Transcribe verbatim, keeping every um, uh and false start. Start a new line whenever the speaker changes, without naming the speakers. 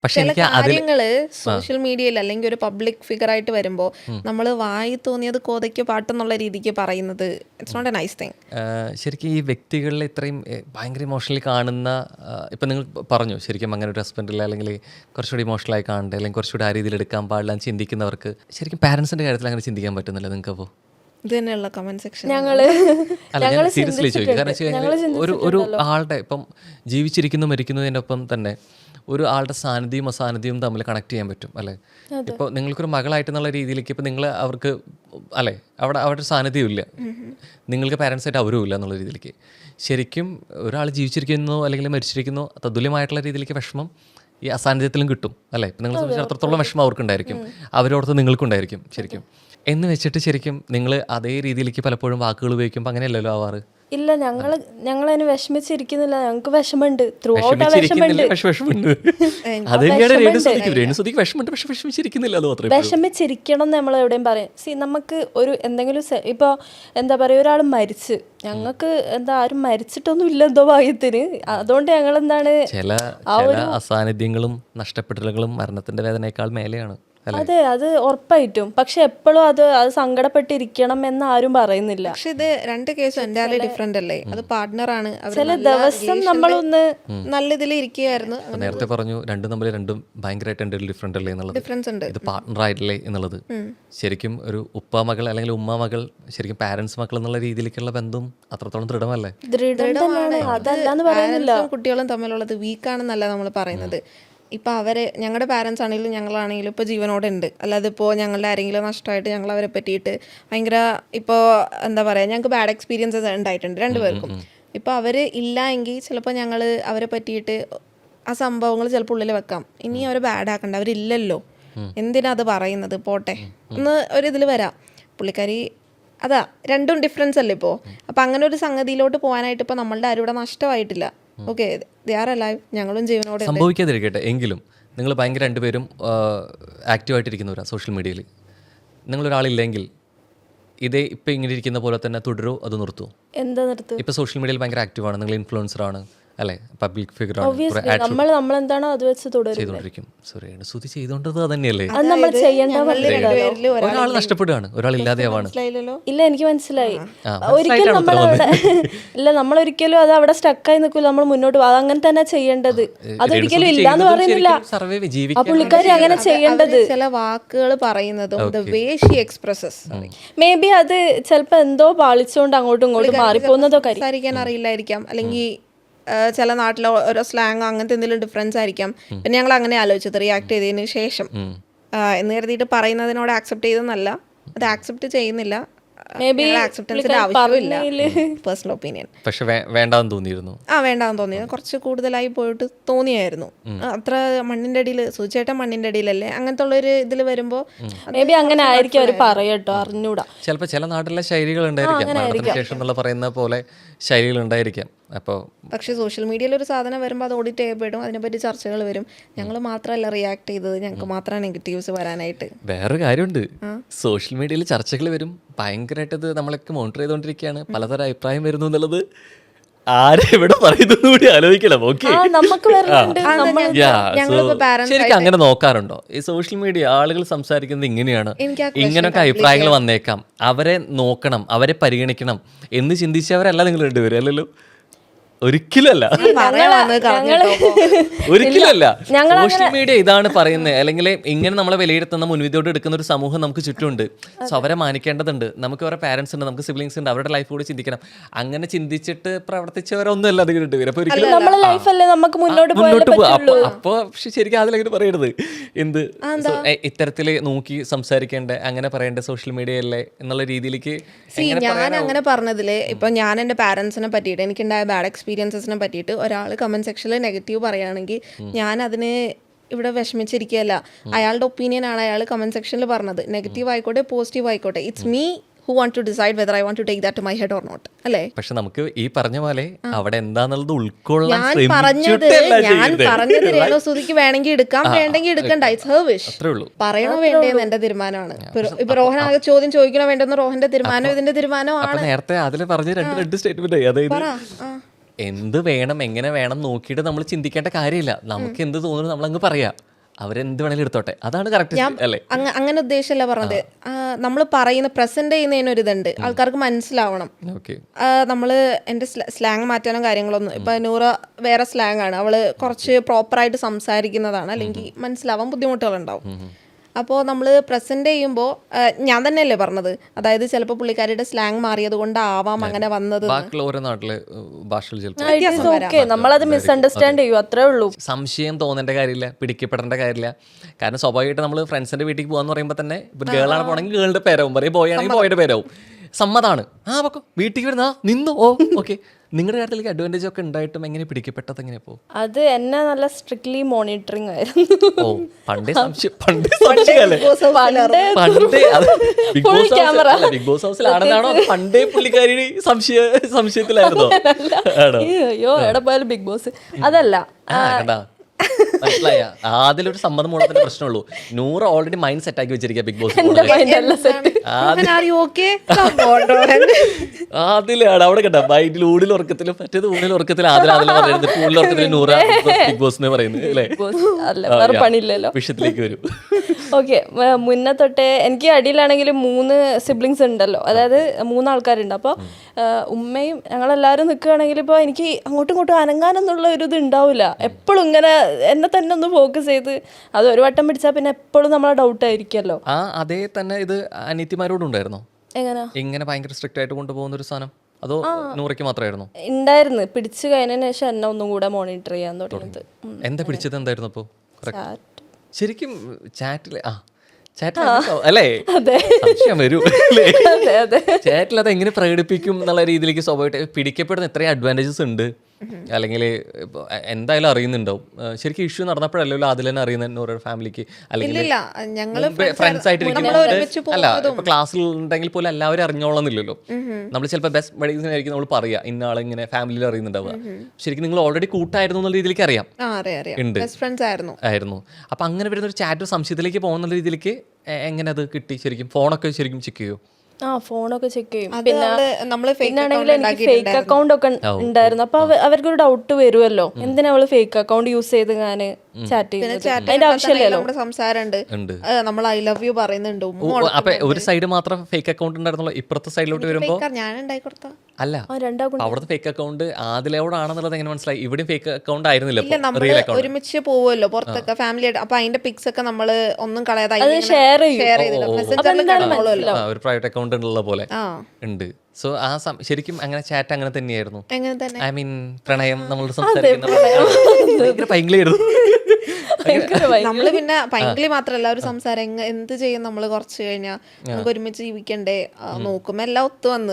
പക്ഷെ
ചില
എനിക്ക് അതിൽ
കാര്യങ്ങള് സോഷ്യൽ മീഡിയയിൽ അല്ലെങ്കിൽ ഒരു പബ്ലിക് ഫിഗർ ആയിട്ട് വരുമ്പോൾ നമ്മൾ വായി തോന്നിയത് കോതയ്ക്ക് പാട്ടെന്നുള്ള രീതിക്ക് പറയുന്നത് it's not a nice thing.
ശരിക്കും ഈ വ്യക്തികളിൽ ഇത്രയും ഏഹ്, ഭയങ്കര ഇമോഷണലി കാണുന്ന ആഹ്, ഇപ്പം നിങ്ങൾ പറഞ്ഞു ശരിക്കും അങ്ങനെ ഒരു ഹസ്ബൻഡിൽ അല്ലെങ്കിൽ കുറച്ചുകൂടി ഇമോഷണലായി കാണണ്ടേ അല്ലെങ്കിൽ കുറച്ചുകൂടി ആ രീതിയിൽ എടുക്കാൻ പാടില്ല എന്ന് ചിന്തിക്കുന്നവർക്ക് ശരിക്കും പാരൻസിൻ്റെ കാര്യത്തിൽ അങ്ങനെ ചിന്തിക്കാൻ പറ്റുന്നില്ല നിങ്ങൾക്ക് അപ്പോൾ?
ഇത് തന്നെയുള്ള കമന്റ് സെക്ഷൻ.
ഞങ്ങള്
അല്ല ഞാൻ സീരിയസ്ലി ചോദിക്കും. കാരണം വെച്ച് കഴിഞ്ഞാൽ ഒരു ഒരു ആളുടെ ഇപ്പം ജീവിച്ചിരിക്കുന്നു മരിക്കുന്നതിൻ്റെ ഒപ്പം തന്നെ ഒരു ആളുടെ സാന്നിധ്യവും അസാന്നിധ്യവും തമ്മിൽ കണക്ട് ചെയ്യാൻ പറ്റും അല്ലേ? ഇപ്പോൾ നിങ്ങൾക്കൊരു മകളായിട്ട് എന്നുള്ള രീതിയിലേക്ക് ഇപ്പം നിങ്ങൾ അവർക്ക് അല്ലേ അവിടെ അവരുടെ സാന്നിധ്യം ഇല്ല, നിങ്ങൾക്ക് പാരൻസ് ആയിട്ട് അവരും ഇല്ല എന്നുള്ള രീതിയിലേക്ക് ശരിക്കും ഒരാൾ ജീവിച്ചിരിക്കുന്നു അല്ലെങ്കിൽ മരിച്ചിരിക്കുന്നു തതുല്യമായിട്ടുള്ള രീതിയിലേക്ക് വിഷമം ഈ അസാന്നിധ്യത്തിലും കിട്ടും അല്ലേ? ഇപ്പം നിങ്ങൾ സംബന്ധിച്ച് അത്രത്തോളം വിഷമം അവർക്കുണ്ടായിരിക്കും, അവരോടത്ത് നിങ്ങൾക്കുണ്ടായിരിക്കും ശരിക്കും. എന്ന് വെച്ചിട്ട് ശരിക്കും നിങ്ങൾ അതേ രീതിയിലേക്ക് പലപ്പോഴും വാക്കുകൾ ഉപയോഗിക്കുമ്പോൾ അങ്ങനെയല്ലല്ലോ ആവാറ്.
ഇല്ല, ഞങ്ങള് ഞങ്ങളതിന് വിഷമിച്ചിരിക്കുന്നില്ല, ഞങ്ങൾക്ക് വിഷമുണ്ട്. ത്രൂ ഔട്ട് ആ വിഷമുണ്ട്. വിഷമിച്ചിരിക്കണം എന്ന് നമ്മൾ എവിടെയും പറയും. സി നമുക്ക് ഒരു എന്തെങ്കിലും സെ- ഇപ്പൊ എന്താ പറയാ ഒരാൾ മരിച്ച് ഞങ്ങൾക്ക് എന്താ ആരും മരിച്ചിട്ടൊന്നും ഇല്ല എന്തോ ഭാഗ്യത്തിന്. അതുകൊണ്ട് ഞങ്ങൾ എന്താണ്
ചില ചില അസാന്നിധ്യങ്ങളും നഷ്ടപ്പെടലുകളും മരണത്തിന്റെ വേദനയേക്കാൾ മേലെയാണ്.
അതെ, അത് ഉറപ്പായിട്ടും. പക്ഷെ എപ്പോഴും അത് അത് സങ്കടപ്പെട്ടിരിക്കണം എന്ന് ആരും പറയുന്നില്ല.
പക്ഷെ ഇത് രണ്ട് കേസും എൻ്റയർലി ഡിഫറെന്റ് അല്ലേ? അത് പാർട്ട്ണറാണ്.
ചില ദിവസം നമ്മളൊന്ന്
നല്ല ഇതിൽ ഇരിക്കുകയായിരുന്നു.
അപ്പൊ നേരത്തെ പറഞ്ഞു രണ്ടും തമ്മിൽ രണ്ടും ഭയങ്കരമായിട്ട് എൻ്റെ ഡിഫറെൻ്റ് അല്ലേ എന്നുള്ളത്.
ഡിഫറൻസ് ഉണ്ട്.
ഇത് പാർട്ട്ണർ ആയിട്ടില്ലേ എന്നുള്ളത് ശരിക്കും ഒരു ഉപ്പ മകൾ അല്ലെങ്കിൽ ഉമ്മ മകൾ ശരിക്കും പാരൻസ് മക്കൾ എന്നുള്ള രീതിയിലേക്കുള്ള ബന്ധം അത്രത്തോളം ദൃഢമല്ലേ?
ദൃഢം തന്നെയാണ്, അതല്ലാന്ന് പറയുന്നില്ല.
പാരന്റ്സും കുട്ടികളും തമ്മിലുള്ളത് വീക്കാണെന്നല്ല നമ്മൾ പറയുന്നത്. ഇപ്പം അവരെ ഞങ്ങളുടെ പാരൻസ് ആണെങ്കിലും ഞങ്ങളാണെങ്കിലും ഇപ്പോൾ ജീവനോടെ ഉണ്ട്. അല്ലാതെ ഇപ്പോൾ ഞങ്ങളുടെ ആരെങ്കിലും നഷ്ടമായിട്ട് ഞങ്ങൾ അവരെ പറ്റിയിട്ട് ഭയങ്കര ഇപ്പോൾ എന്താ പറയുക ഞങ്ങൾക്ക് ബാഡ് എക്സ്പീരിയൻസസ് ഉണ്ടായിട്ടുണ്ട് രണ്ടുപേർക്കും. ഇപ്പോൾ അവർ ഇല്ല എങ്കിൽ ചിലപ്പോൾ ഞങ്ങൾ അവരെ പറ്റിയിട്ട് ആ സംഭവങ്ങൾ ചിലപ്പോൾ ഉള്ളിൽ വെക്കാം. ഇനി അവരെ ബാഡ് ആക്കണ്ട, അവരില്ലല്ലോ, എന്തിനാ അത് പറയുന്നത്, പോട്ടെ എന്ന് ഒരിതിൽ വരാം. പുള്ളിക്കാരി അതാ രണ്ടും ഡിഫറൻസ് അല്ലേ ഇപ്പോൾ. അപ്പം അങ്ങനെ ഒരു സംഗതിയിലോട്ട് പോകാനായിട്ട് ഇപ്പോൾ നമ്മളുടെ ആരും ഇവിടെ നഷ്ടമായിട്ടില്ല. ഓക്കെ, ദേ ആർ അലൈവ്, ഞങ്ങളും ജീവനോടെ.
സംഭവിക്കാതിരിക്കട്ടെ എങ്കിലും നിങ്ങൾ ഭയങ്കര രണ്ടുപേരും ആക്റ്റീവായിട്ടിരിക്കുന്നവരാ സോഷ്യൽ മീഡിയയിൽ. നിങ്ങളൊരാളില്ലെങ്കിൽ ഇതേ ഇപ്പം ഇങ്ങനെ ഇരിക്കുന്ന പോലെ തന്നെ തുടരോ അത് നിർത്തുമോ?
എന്താ നിർത്തും?
ഇപ്പം സോഷ്യൽ മീഡിയയിൽ ഭയങ്കര ആക്റ്റീവാണ്, നിങ്ങൾ ഇൻഫ്ലുവൻസർ ആണ് അല്ലേ, പബ്ലിക് ഫിഗർ
Obviously, നമ്മൾ നമ്മളെന്താണോ അത് വെച്ച് തുടരും.
ചെയ്തോണ്ടിരിക്കും. സോറി സുധി ചെയ്തോണ്ടത് തന്നെയല്ലേ?
അത് നമ്മൾ ചെയ്യേണ്ട
ഒരാൾ നഷ്ടപ്പെടുകയാണ്, ഒരാൾ ഇല്ലാതെയാവാണ്.
ഇല്ല, എനിക്ക് മനസ്സിലായി. ഒരിക്കലും നമ്മളവിടെ ഇല്ല നമ്മളൊരിക്കലും അത് അവിടെ സ്റ്റക്കായി നിൽക്കില്ല, നമ്മൾ മുന്നോട്ട് പോകും. അതങ്ങനെ തന്നെ ചെയ്യേണ്ടത്. അതൊരിക്കലും ഇല്ലാന്ന് പറയുന്നില്ല. ആ പുള്ളിക്കാരി അങ്ങനെ ചെയ്യേണ്ടത്.
ചില വാക്കുകൾ പറയുന്നതും the way she expresses.
Maybe അത് ചിലപ്പോ എന്തോ പാളിച്ചുകൊണ്ട് അങ്ങോട്ടും ഇങ്ങോട്ടും മാറിപ്പോകുന്നതോ കാര്യം
സംസാരിക്കാൻ അറിയില്ലായിരിക്കാം, അല്ലെങ്കിൽ ചില നാട്ടിലെ ഓരോ സ്ലാങ് അങ്ങനത്തെ എന്തെങ്കിലും ഡിഫറൻസ് ആയിരിക്കാം. പിന്നെ ഞങ്ങൾ അങ്ങനെ ആലോചിച്ചത് റിയാക്ട് ചെയ്തതിന് ശേഷം എന്ന് കരുതിയിട്ട് പറയുന്നതിനോട് ആക്സെപ്റ്റ് ചെയ്തെന്നല്ല, അത് ആക്സെപ്റ്റ് ചെയ്യുന്നില്ല. ആക്സെപ്റ്റൻസിന്റെ ആവശ്യമില്ല, പേഴ്സണൽ ഒപ്പീനിയൻ.
പക്ഷെ വേണ്ടാന്ന് തോന്നിയിരുന്നു.
ആ വേണ്ടാന്ന് തോന്നിയിരുന്നു, കുറച്ച് കൂടുതലായി പോയിട്ട് തോന്നിയായിരുന്നു. അത്ര മണ്ണിന്റെ അടിയിൽ സൂചിച്ചേട്ടൻ മണ്ണിന്റെ അടിയിലല്ലേ, അങ്ങനത്തെ ഉള്ളൊരു ഇതിൽ വരുമ്പോ
മേ ബി അങ്ങനെ ആയിരിക്കും അവർ പറയട്ടോ, അറിഞ്ഞൂടാ.
ചിലപ്പോൾ ചില നാട്ടിലെ ശൈലികൾ ഉണ്ടായിരിക്കാം, മരണത്തിന് ശേഷം എന്നുള്ള പറയുന്ന പോലെ ശൈലികൾ ഉണ്ടായിരിക്കാം. അപ്പോൾ
പക്ഷേ സോഷ്യൽ മീഡിയയിൽ ഒരു സാധനം വരുമ്പോൾ അത് ഓഡിറ്റ് ചെയ്യപ്പെടും, അതിനെപ്പറ്റി ചർച്ചകൾ വരും. ഞങ്ങൾ മാത്രമല്ല റിയാക്ട് ചെയ്തത്, ഞങ്ങൾക്ക് മാത്രമാണ് നെഗറ്റീവ്സ് വരാനായിട്ട്.
വേറൊരു കാര്യമുണ്ട്, സോഷ്യൽ മീഡിയയിൽ ചർച്ചകൾ വരും, ഭയങ്കരമായിട്ട് ഇത് നമ്മളൊക്കെ മോണിറ്റർ ചെയ്തുകൊണ്ടിരിക്കുകയാണ്, പലതരം അഭിപ്രായം വരുന്നു എന്നുള്ളത് ആരെവിടെ പറയുന്നത് കൂടി ആലോചിക്കണം. ഓക്കെ, ശരിക്കും അങ്ങനെ നോക്കാറുണ്ടോ? ഈ സോഷ്യൽ മീഡിയ ആളുകൾ സംസാരിക്കുന്നത് ഇങ്ങനെയാണ്, ഇങ്ങനെയൊക്കെ അഭിപ്രായങ്ങൾ വന്നേക്കാം, അവരെ നോക്കണം, അവരെ പരിഗണിക്കണം എന്ന് ചിന്തിച്ചവരല്ല നിങ്ങൾ രണ്ടുപേരും, അല്ലല്ലോ? ഒരിക്കലല്ല, ഒരിക്കലല്ല. സോഷ്യൽ മീഡിയ ഇതാണ് പറയുന്നത്, അല്ലെങ്കിൽ ഇങ്ങനെ നമ്മളെ വിലയിരുത്തുന്ന മുൻവിധിയോട് എടുക്കുന്ന ഒരു സമൂഹം നമുക്ക് ചുറ്റുമുണ്ട്. സോ അവരെ മാനിക്കേണ്ടതുണ്ട്. നമുക്ക് അവരുടെ പാരന്റ്സ് ഉണ്ട്, നമുക്ക് സിബ്ലിങ്സ് ഉണ്ട്, അവരുടെ ലൈഫ് കൂടി ചിന്തിക്കണം. അങ്ങനെ ചിന്തിച്ചിട്ട് പ്രവർത്തിച്ചവരൊന്നും അല്ല അത് കിട്ടുവരും. അപ്പൊ
മുന്നോട്ട്
പോകും. അപ്പൊ ശരിക്കും അതിലങ്ങനെ പറയരുത്. എന്ത് ഇത്തരത്തില് നോക്കി സംസാരിക്കേണ്ട, അങ്ങനെ പറയേണ്ട സോഷ്യൽ മീഡിയയല്ലേ എന്നുള്ള രീതിയിലേക്ക്.
ഞാൻ അങ്ങനെ പറഞ്ഞതില് ഇപ്പൊ ഞാൻ എന്റെ പാരന്റ്സിനെ പറ്റിയിട്ട് എനിക്കുണ്ടായ ബാഡ് എക്സ്പീരിയൻസിനെ പറ്റിയിട്ട് ഒരാൾ കമന്റ് സെക്ഷനിൽ നെഗറ്റീവ് പറയുകയാണെങ്കിൽ ഞാൻ അതിന് ഇവിടെ വിഷമിച്ചിരിക്കുകയല്ല. അയാളുടെ ഒപ്പീനിയൻ ആണ് അയാൾ കമന്റ് സെക്ഷനിൽ പറഞ്ഞത്. നെഗറ്റീവ് ആയിക്കോട്ടെ പോസിറ്റീവ് ആയിക്കോട്ടെ, it's me who want to decide whether I want to take that to my head or not, അല്ലേ?
പക്ഷെ നമുക്ക് ഈ പറഞ്ഞ പോലെ അവിടെ എന്താന്നുള്ളത് ഉൾക്കൊള്ളാൻ
ഞാൻ പറഞ്ഞത് ഞാൻ പറഞ്ഞത് രേണു സുധിക്ക് വേണമെങ്കിൽ എടുക്കാം, വേണ്ടെങ്കിൽ എടുക്കണ്ട, ഇറ്റ്സ് ഹെർ വിഷ്. പറയണോ വേണ്ടേന്ന് എന്റെ തീരുമാനമാണ്. ഇപ്പൊ റോഹൻ ആകെ ചോദ്യം ചോദിക്കണോ വേണ്ടെന്ന് റോഹന്റെ തീരുമാനം, ഇതിന്റെ തീരുമാനമാണ്.
നേരത്തെ അതിൽ പറഞ്ഞ രണ്ട് രണ്ട് സ്റ്റേറ്റ്മെന്റ്, അതായത് എന്ത് വേണം എങ്ങനെ വേണം നോക്കിയിട്ട് നമ്മൾ ചിന്തിക്കേണ്ട കാര്യമില്ല. നമുക്ക് എന്ത് തോന്നുന്നു നമ്മളങ്ങ് പറയാം. അവരെന്ത് വേണേലും എടുത്തോട്ടെ, അതാണ് കറക്റ്റ് അല്ലേ?
അങ്ങ- അങ്ങനെ ഉദ്ദേശമല്ല പറഞ്ഞത്. നമ്മൾ പറയുന്ന പ്രസന്റ് ചെയ്യുന്നതിനൊരിതുണ്ട്, ആൾക്കാർക്ക് മനസ്സിലാവണം.
ഓക്കെ.
നമ്മൾ എൻ്റെ സ്ലാങ് മാറ്റാനോ കാര്യങ്ങളൊന്നും, ഇപ്പൊ നൂറ വേറെ സ്ലാങ് ആണ്, അവള് കുറച്ച് പ്രോപ്പറായിട്ട് സംസാരിക്കുന്നതാണ്, അല്ലെങ്കിൽ മനസ്സിലാവാൻ ബുദ്ധിമുട്ടുകളുണ്ടാവും. അപ്പോൾ നമ്മൾ പ്രസന്റ് ചെയ്യുമ്പോൾ ഞാൻ തന്നെയല്ലേ പറഞ്ഞത്, അതായത് ചിലപ്പോൾ പുള്ളിക്കാരിയുടെ സ്ലാങ് മാറിയത് കൊണ്ടാവാം അങ്ങനെ വന്നത്.
ബാക്കിയുള്ള ഓരോ നാട്ടിലെ ഭാഷകൾ ചിലപ്പോൾ
ഓക്കെ, നമ്മളത് മിസ്അണ്ടർസ്റ്റാൻഡ് ചെയ്യും, അത്രേ ഉള്ളൂ.
സംശയം തോന്നേണ്ട കാര്യമില്ല, പിടിക്കപ്പെടേണ്ട കാര്യമില്ല. കാരണം സ്വാഭാവികമായിട്ട് നമ്മൾ ഫ്രണ്ട്സിന്റെ വീട്ടിൽ പോകാന്ന് പറയുമ്പോൾ തന്നെ ഇപ്പം ഗേളാണ് പോകണമെങ്കിൽ ഗേളുടെ പേരാവും പറയും, ബോയ് ആണെങ്കിൽ ബോയുടെ പേരാവും. സമ്മതാണ്. ആ പൊക്കോ, വീട്ടിൽ വരുന്ന നിന്നു. ഓ ഓക്കെ. നിങ്ങളുടെ കാര്യത്തിലേക്ക് അഡ്വാൻറ്റേജ് ഒക്കെ ഉണ്ടായിട്ടും എങ്ങനെ പിടിക്കപ്പെട്ടത് എങ്ങനെയാ? അത്
എന്നെ നല്ല സ്ട്രിക്ട്ലി മോണിറ്ററിങ് ആയിരുന്നു.
ഓ പണ്ടേ സംശയം, പണ്ടേ സംശയമല്ലേ? പണ്ടേ Big Boss house Big Boss ഹൗസിലാണെന്നാണോ പണ്ടേ പുള്ളിക്കാരി സംശയ സംശയത്തിലായിരുന്നോ?
അയ്യോ എവിടെ പോയാലും ബിഗ് ബോസ് അതല്ല.
മനസ്സിലായ അതിലൊരു സമ്മതം മൂലത്തിന്റെ പ്രശ്നമുള്ളൂ. നൂറ് ഓൾറെഡി മൈൻഡ് സെറ്റ് ആക്കി വെച്ചിരിക്കുക ബിഗ് ബോസ്. അതിലാണ് അവിടെ കേട്ടോ മൈൻഡിൽ ഊടിൽ ഉറക്കത്തിലും മറ്റേത് ഊണിൽ ഉറക്കത്തിലും ആദ്യം അതിൽ പറയുന്നത് ഊണിൽ ഉറക്കത്തിലും നൂറ് ബിഗ് ബോസ് എന്ന് പറയുന്നത് അല്ലേ?
പണിയില്ലല്ലോ,
വിഷയത്തിലേക്ക് വരും.
ഓക്കെ. മുന്നേ തൊട്ടേ എനിക്ക് അടിയിലാണെങ്കിൽ മൂന്ന് സിബ്ലിങ്സ് ഉണ്ടല്ലോ, അതായത് മൂന്നാൾക്കാരുണ്ട്. അപ്പോൾ ഉമ്മയും ഞങ്ങളെല്ലാവരും നിൽക്കുകയാണെങ്കിൽ ഇപ്പോൾ എനിക്ക് അങ്ങോട്ടും ഇങ്ങോട്ടും അനങ്ങാനെന്നുള്ള ഒരു ഇത് ഉണ്ടാവില്ല. എപ്പോഴും ഇങ്ങനെ എന്നെ തന്നെ ഒന്ന് ഫോക്കസ് ചെയ്ത്, അത് ഒരു വട്ടം പിടിച്ചാൽ പിന്നെ എപ്പോഴും നമ്മളെ ഡൗട്ട് ആയിരിക്കുമല്ലോ.
ആ അതേ തന്നെ ഇത് അനിയത്തിമാരോടും ഉണ്ടായിരുന്നോ?
എങ്ങനെ
ഇങ്ങനെ ഭയങ്കര സ്ട്രിക്റ്റ് ആയിട്ട് കൊണ്ടുപോകുന്ന ഒരു സാധനം, അതോ നൂറയ്ക്ക് മാത്രമായിരുന്നു?
ഉണ്ടായിരുന്നു. പിടിച്ചു കഴിഞ്ഞതിന് ശേഷം എന്നെ ഒന്നും കൂടെ മോണിറ്റർ ചെയ്യാൻ തുടങ്ങിയത്.
എന്താ പിടിച്ചത്? എന്തായിരുന്നു അപ്പോൾ ശരിക്കും ചാറ്റിൽ? ആ ചാറ്റിൽ അല്ലേ? സംശയം വരും. ചാറ്റിൽ അത് എങ്ങനെ പ്രകടിപ്പിക്കും എന്നുള്ള രീതിയിലേക്ക് സ്വാഭാവികമായിട്ട് പിടിക്കപ്പെടുന്ന എത്രയും അഡ്വാൻറ്റേജസ് ഉണ്ട്. അല്ലെങ്കിൽ എന്തായാലും അറിയുന്നുണ്ടാവും. ശരിക്കും ഇഷ്യൂ നടന്നപ്പോഴല്ലോ അതിൽ തന്നെ അറിയുന്ന ഓരോ ഫാമിലിക്ക്, അല്ലെങ്കിൽ ഫ്രണ്ട്സ് ആയിട്ടിരിക്കും. അല്ല ഇപ്പൊ ക്ലാസ്സിൽ ഉണ്ടെങ്കിൽ പോലും എല്ലാവരും അറിഞ്ഞോളന്നില്ലല്ലോ. നമ്മൾ ചിലപ്പോൾ ബെസ്റ്റ് ബഡീസിനായിരിക്കും നമ്മൾ പറയാ ഇന്ന ആളെ ഇങ്ങനെ ഫാമിലിയിൽ അറിയുന്നുണ്ടാവുക. ശരിക്കും നിങ്ങൾ ഓൾറെഡി കൂട്ടായിരുന്നു എന്നുള്ള രീതിയിലേക്ക് അറിയാം ഉണ്ട് ആയിരുന്നു. അപ്പൊ അങ്ങനെ വരുന്ന ഒരു ചാറ്റ് സംശയത്തിലേക്ക് പോകുന്ന രീതിയിലേക്ക് എങ്ങനെ അത് കിട്ടി? ശരിക്കും ഫോണൊക്കെ ശരിക്കും ചെക്ക് ചെയ്യോ?
ആ ഫോണൊക്കെ ചെക്ക് ചെയ്യും. പിന്നെ പിന്നാണെങ്കിൽ എനിക്ക് ഫേക്ക് അക്കൗണ്ട് ഒക്കെ ഉണ്ടായിരുന്നു. അപ്പൊ അവർക്കൊരു ഡൗട്ട് വരുമല്ലോ, എന്തിനാ അവള് ഫേക്ക് അക്കൗണ്ട് യൂസ് ചെയ്ത് ഞാൻ ചാറ്റ് ചെയ്യുന്നത്? അതിന്റെ ആവശ്യമില്ലല്ലോ.
സംസാരമുണ്ട്, നമ്മൾ ഐ ലവ് യു പറയുന്നുണ്ട്.
അപ്പൊ ഒരു സൈഡ് മാത്രം ഫേക്ക് അക്കൗണ്ട് ഉണ്ടായിരുന്നല്ലോ, ഇപ്പുറത്തെ സൈഡിലോട്ട് വരുമ്പോ അല്ല അവിടുത്തെ ഫേക്ക് അക്കൗണ്ട് ആദിലോടാണെന്നുള്ളത് എങ്ങനെ മനസ്സിലായി? ഇവിടെയും ഫേക്ക് അക്കൗണ്ട് ആയിരുന്നില്ല.
ഒരുമിച്ച് പോവുമല്ലോ പുറത്തൊക്കെ ഫാമിലി ആയിട്ട്. അപ്പൊ അതിന്റെ പിക്സ് ഒക്കെ നമ്മള് ഒന്നും കളയാതെ
ഷെയർ ചെയ്യും.
ഒരു പ്രൈവറ്റ് അക്കൗണ്ട് ഉള്ള പോലെ ഉണ്ട്. സോ ആ ശരിക്കും അങ്ങനെ ചാറ്റ് അങ്ങനെ തന്നെയായിരുന്നു. ഐ മീൻ പ്രണയം നമ്മൾ സംസാരിക്കുന്ന ഭയങ്കരമായിരുന്നു.
നമ്മള് പിന്നെ പൈങ്കിളി മാത്രല്ല ഒരു സംസാരം എന്ത് ചെയ്യും. നമ്മള് കുറച്ച് കഴിഞ്ഞാൽ നമുക്ക് ഒരുമിച്ച് ജീവിക്കണ്ടേ, നോക്കുമ്പോ എല്ലാം ഒത്തു വന്ന്